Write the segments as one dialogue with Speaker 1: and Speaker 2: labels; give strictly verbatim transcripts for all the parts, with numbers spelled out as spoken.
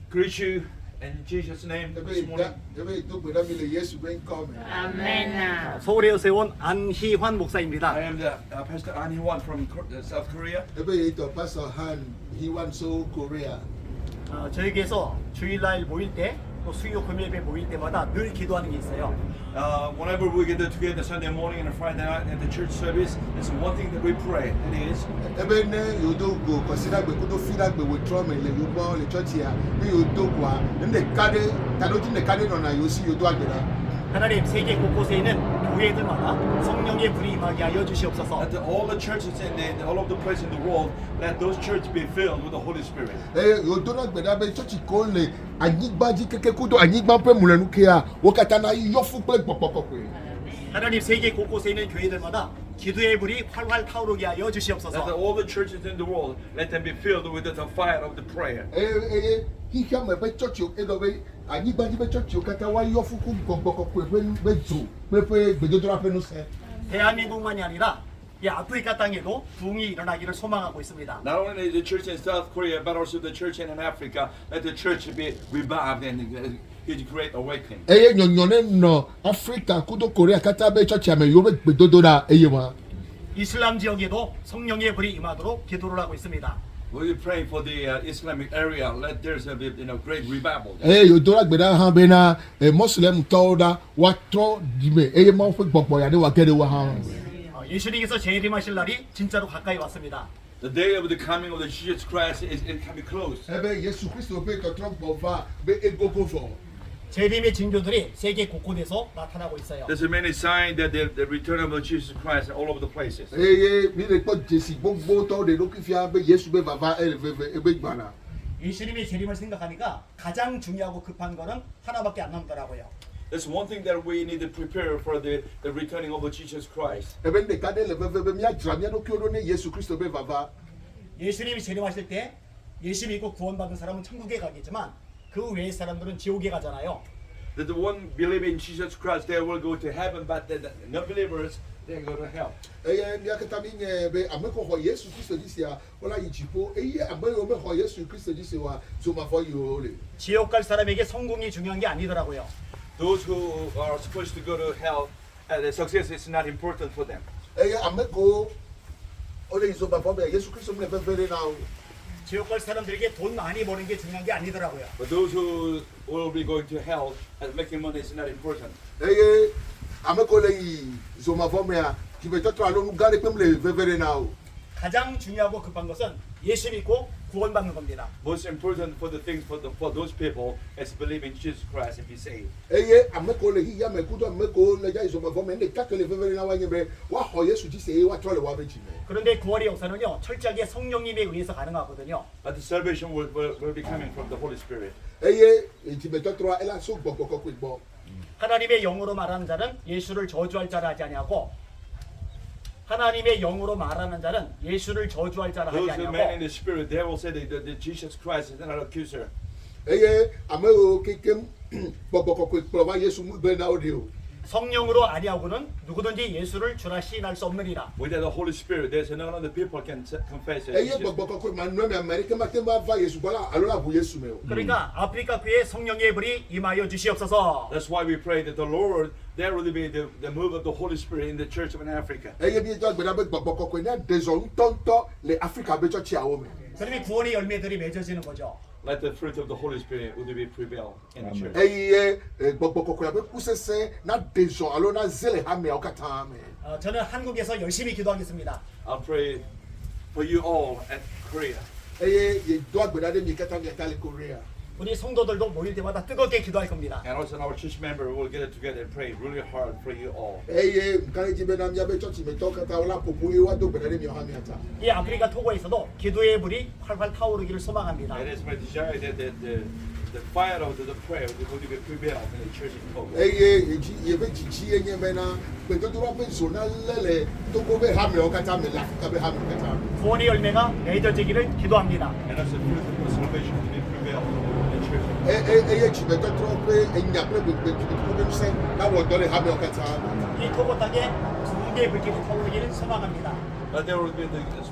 Speaker 1: greet you in Jesus' name this morning.
Speaker 2: 아멘.
Speaker 3: 서울에서 온 안희환 목사입니다.
Speaker 1: I am the uh, Pastor An Hee-wan from Kor- uh, South Korea.
Speaker 4: Pastor Han, he went so Korea.
Speaker 3: 어, 저에게서 주일날 모일 때, 또 수요 금요일에 모일 때마다 늘 기도하는 게 있어요.
Speaker 1: Uh, whenever we get together Sunday morning and Friday night at the church service, there's one thing that we pray, and it is
Speaker 4: Ebe ne yodo go consider gbe kudo fida gbe withdraw me le yobo le church here. Ne yodo kwa ne kade tanoti ne kade no na yosi yodo agbera.
Speaker 3: 하나님 세계 곳곳에 있는 교회들마다 성령의 불이 임하게 하여 주시옵소서.
Speaker 1: that the, all the churches in the, all of the places in the world, let those churches be filled with the Holy Spirit.
Speaker 4: Eh yodo na gbeda be church ko le anyigbaji keke kudo anyigba pe mulenu ke a wo kata na yo fu pe popopopwe.
Speaker 3: 하나님 세계 곳곳에 있는 교회들마다 기도의 불이 활활 타오르게 하여
Speaker 1: That the,
Speaker 3: 주시옵소서.
Speaker 1: all the churches in the world, let them be filled with the, the fire of the prayer.
Speaker 4: Eh eh hi hia me be church o edo be anyigbaji be church o kata wa yo fu ku gbogbo pe be zo pe pe gbedodora pe no se.
Speaker 3: 대한민국만이 아니라 이 아프리카 땅에도 부흥이 일어나기를 소망하고 있습니다.
Speaker 1: Not only the church in South Korea, but also the church in Africa, let the church be revived and uh, get great awakening.
Speaker 4: Eye nyonyone no Africa kudo Korea kata be church ame yo be gbedodora eye wa.
Speaker 3: 이슬람 지역에도 성령의 불이 임하도록 기도를 하고 있습니다.
Speaker 1: We'll be praying for the uh, Islamic area. Let there's a bit, you know, great revival.
Speaker 4: Eh yodora gbeda han be na eh, Muslim toda wa tro dime eye ma fe gbogbo ya de wa gede wa han.
Speaker 3: 어, 예수님께서 재림하실 날이 진짜로 가까이 왔습니다.
Speaker 1: The day of the coming of the Jesus Christ is it can be close.
Speaker 4: Ebe Yesu Kristo be to tro bova be egogo fo.
Speaker 3: 재림의 징조들이 세계 곳곳에서 나타나고 있어요.
Speaker 1: There's a many signs that the, the return of Jesus Christ are all over the places.
Speaker 4: Eye mi le po Jesi gbogbo to de loki fi be Yesu be baba e ve e be gbana.
Speaker 3: 예수님의 재림을 생각하니까 가장 중요하고 급한 거는 하나밖에 안 남더라고요.
Speaker 1: There's one thing that we need to prepare for the, the returning of Jesus Christ.
Speaker 4: Ebe de kade le ve ve mi adra mi no ki odo ne Yesu Kristo be baba.
Speaker 3: 예수님이 재림하실 때 예수 믿고 구원받은 사람은 천국에 가겠지만 그 외의 사람들은 지옥에 가잖아요.
Speaker 1: That the one believing in Jesus Christ, they will go to heaven, but the, the non-believers, they go to hell.
Speaker 4: Eye mi akata mi nye be ameko ho Yesu Kristo disi ya ola yijipo eye ameko me ho Yesu Kristo disi wa so ma fo yo le.
Speaker 3: 지옥 갈 사람에게 성공이 중요한 게 아니더라고요.
Speaker 1: Those who are supposed to go to hell, uh, the success is not important for them.
Speaker 4: Eye ameko ole iso ba fo be Yesu Kristo me ve ve now.
Speaker 3: 지옥 갈 사람들에게 돈 많이 버는 게 중요한 게 아니더라고요.
Speaker 1: But those who will be going to hell and making money is not important.
Speaker 4: Eye ameko le yi so ma fo me a ki be to to alo ngare pe me ve ve now.
Speaker 3: 가장 중요하고 급한 것은 예수 믿고 구원받는 겁니다.
Speaker 1: Most important for the things for the for those people is believing Jesus Christ and be saved.
Speaker 4: Eye ameko le hi ya me kudo ameko le ja iso ma fo me ne ka ke le ve ve now wa nye be wa ho Yesu disi e wa to le wa be ji me.
Speaker 3: 그런데 구원의 역사는요 철저하게 성령님에 의해서 가능하거든요.
Speaker 1: But the salvation will, will, will be coming from the Holy Spirit.
Speaker 4: Eye ti be to to ela so gbogbo ko ko gbo.
Speaker 3: 하나님의 영으로 말하는 자는 예수를 저주할 자라 하지 아니하고 하나님의 영으로 말하는 자는 예수를 저주할 자라 하지
Speaker 1: Those who man in
Speaker 3: 아니하고
Speaker 1: the Spirit, they will say that, that, that Jesus Christ is not an accuser.
Speaker 4: Eye ameko kekem gbogbo ko ko gbo wa Yesu mu be now de o.
Speaker 3: 성령으로 아니하고는 누구든지 예수를 주라 시인할 수 없느니라.
Speaker 1: Without the Holy Spirit, there's none of the people can s- confess it.
Speaker 4: Eye gbogbo ko ko ma no me America ma te ma va Yesu bola alola bu Yesu me o.
Speaker 3: 그러니까 아프리카 교회에 성령의 불이 임하여 주시옵소서.
Speaker 1: That's why we pray that the Lord, there will be the, the move of the Holy Spirit in the church of Africa.
Speaker 4: Eye bi to gbeda be gbogbo ko ko ni dezo ntonto le Africa be church ya wo me.
Speaker 3: 그러면 구원의 열매들이 맺어지는 거죠.
Speaker 1: Let the fruit of the Holy Spirit will be prevail in the church.
Speaker 4: Eye gbogbo ko ko ya be kusese na dezo alo na zele ha me o kata me.
Speaker 3: 어, 저는 한국에서 열심히 기도하겠습니다.
Speaker 1: I'll pray for you all at Korea.
Speaker 4: Eye ye do gbeda de mi kata mi kale Korea.
Speaker 3: 우리 성도들도 모일 때마다 뜨겁게 기도할 겁니다.
Speaker 1: And also our church member will get it together and pray really hard for you all.
Speaker 4: Eye mkale ji be na mi be church me to kata ola popo ye wa do gbeda de mi ha mi ata.
Speaker 3: 이 아프리카 토고에서도 기도의 불이 활활 타오르기를 소망합니다.
Speaker 1: It is my desire that the, the, the fire of the, the prayer will be prevail in the church in Togo.
Speaker 4: Eye eji ye be chichi enye me na be to do be so na lele to go be ha me o kata me la ka be ha me kata.
Speaker 3: 구원의 열매가 맺어지기를 기도합니다.
Speaker 1: And also the fruit of the salvation to be prevail in the church.
Speaker 4: Eye eye chi be to tro pe enya pe be be to be se na wo do le ha me o kata.
Speaker 3: 이 토고 땅에 두 개의 불길이 타오르기를 소망합니다.
Speaker 1: But there will be the,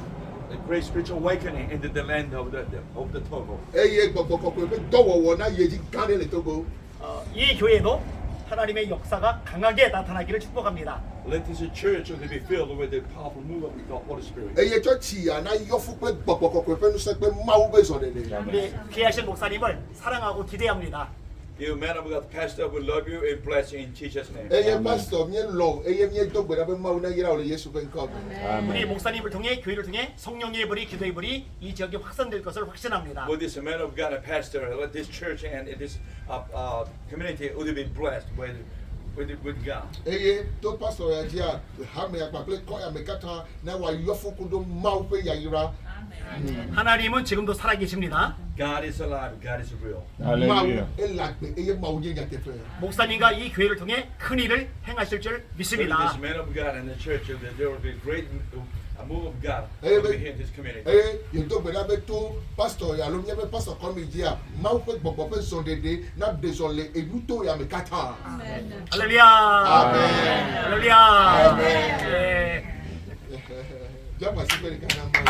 Speaker 1: a great spiritual awakening into the land of the, the of the Togo.
Speaker 4: eye gbɔgbɔ kɔkɔe ƒe dɔwɔwɔ na ye dzi gã ɖe le Togo.
Speaker 3: 어, 이 교회도 하나님의 역사가 강하게 나타나기를 축복합니다.
Speaker 1: Let this church to be filled with the powerful move of the Holy Spirit.
Speaker 4: eye tsɔtsia na yɔfu kple gbɔgbɔ kɔkɔe ƒe ŋusẽ kple Mawu ƒe zɔɖeɖe.
Speaker 3: 우리 귀하신 목사님을 사랑하고 기대합니다.
Speaker 1: You man of God, pastor, we love you and bless you in Jesus' name.
Speaker 4: eye pastor mie lɔ eye mie do gbe ɖa be Mawu na yra wo le Yesu ƒe ŋkɔ me.
Speaker 3: 우리 목사님을 통해 교회를 통해 성령의 불이 기도의 불이 이 지역에 확산될 것을 확신합니다.
Speaker 1: With this man of God and pastor, let this church and this uh, uh, community would be blessed with, with, with God.
Speaker 4: eye to pastor ya dzia hame akpakple kɔ ya me katã na wòayɔfu kudo Mawu ƒe yayra.
Speaker 3: 하나님은 지금도 살아계십니다.
Speaker 1: God is alive. God is real.
Speaker 4: Mawu ele agbe eye Mawu nye nyateƒe.
Speaker 3: 목사님과 이 교회를 통해 큰 일을 행하실 줄
Speaker 1: Through
Speaker 3: 믿습니다.
Speaker 1: this man of God and the church, that there will be great a move of God
Speaker 4: Hey,
Speaker 1: over
Speaker 4: but-
Speaker 1: here in this community.
Speaker 4: eye yedo gbe ɖa be to pastor ya alo míaƒe pastor kɔmi dzia Mawu ƒe gbɔgbɔ ƒe zɔɖeɖe na ɖe zɔ le enuto ya me katã.
Speaker 3: 할렐루야.
Speaker 4: 아멘.
Speaker 3: 할렐루야. 네.
Speaker 4: Jama si ƒe ɖeka na Mawu.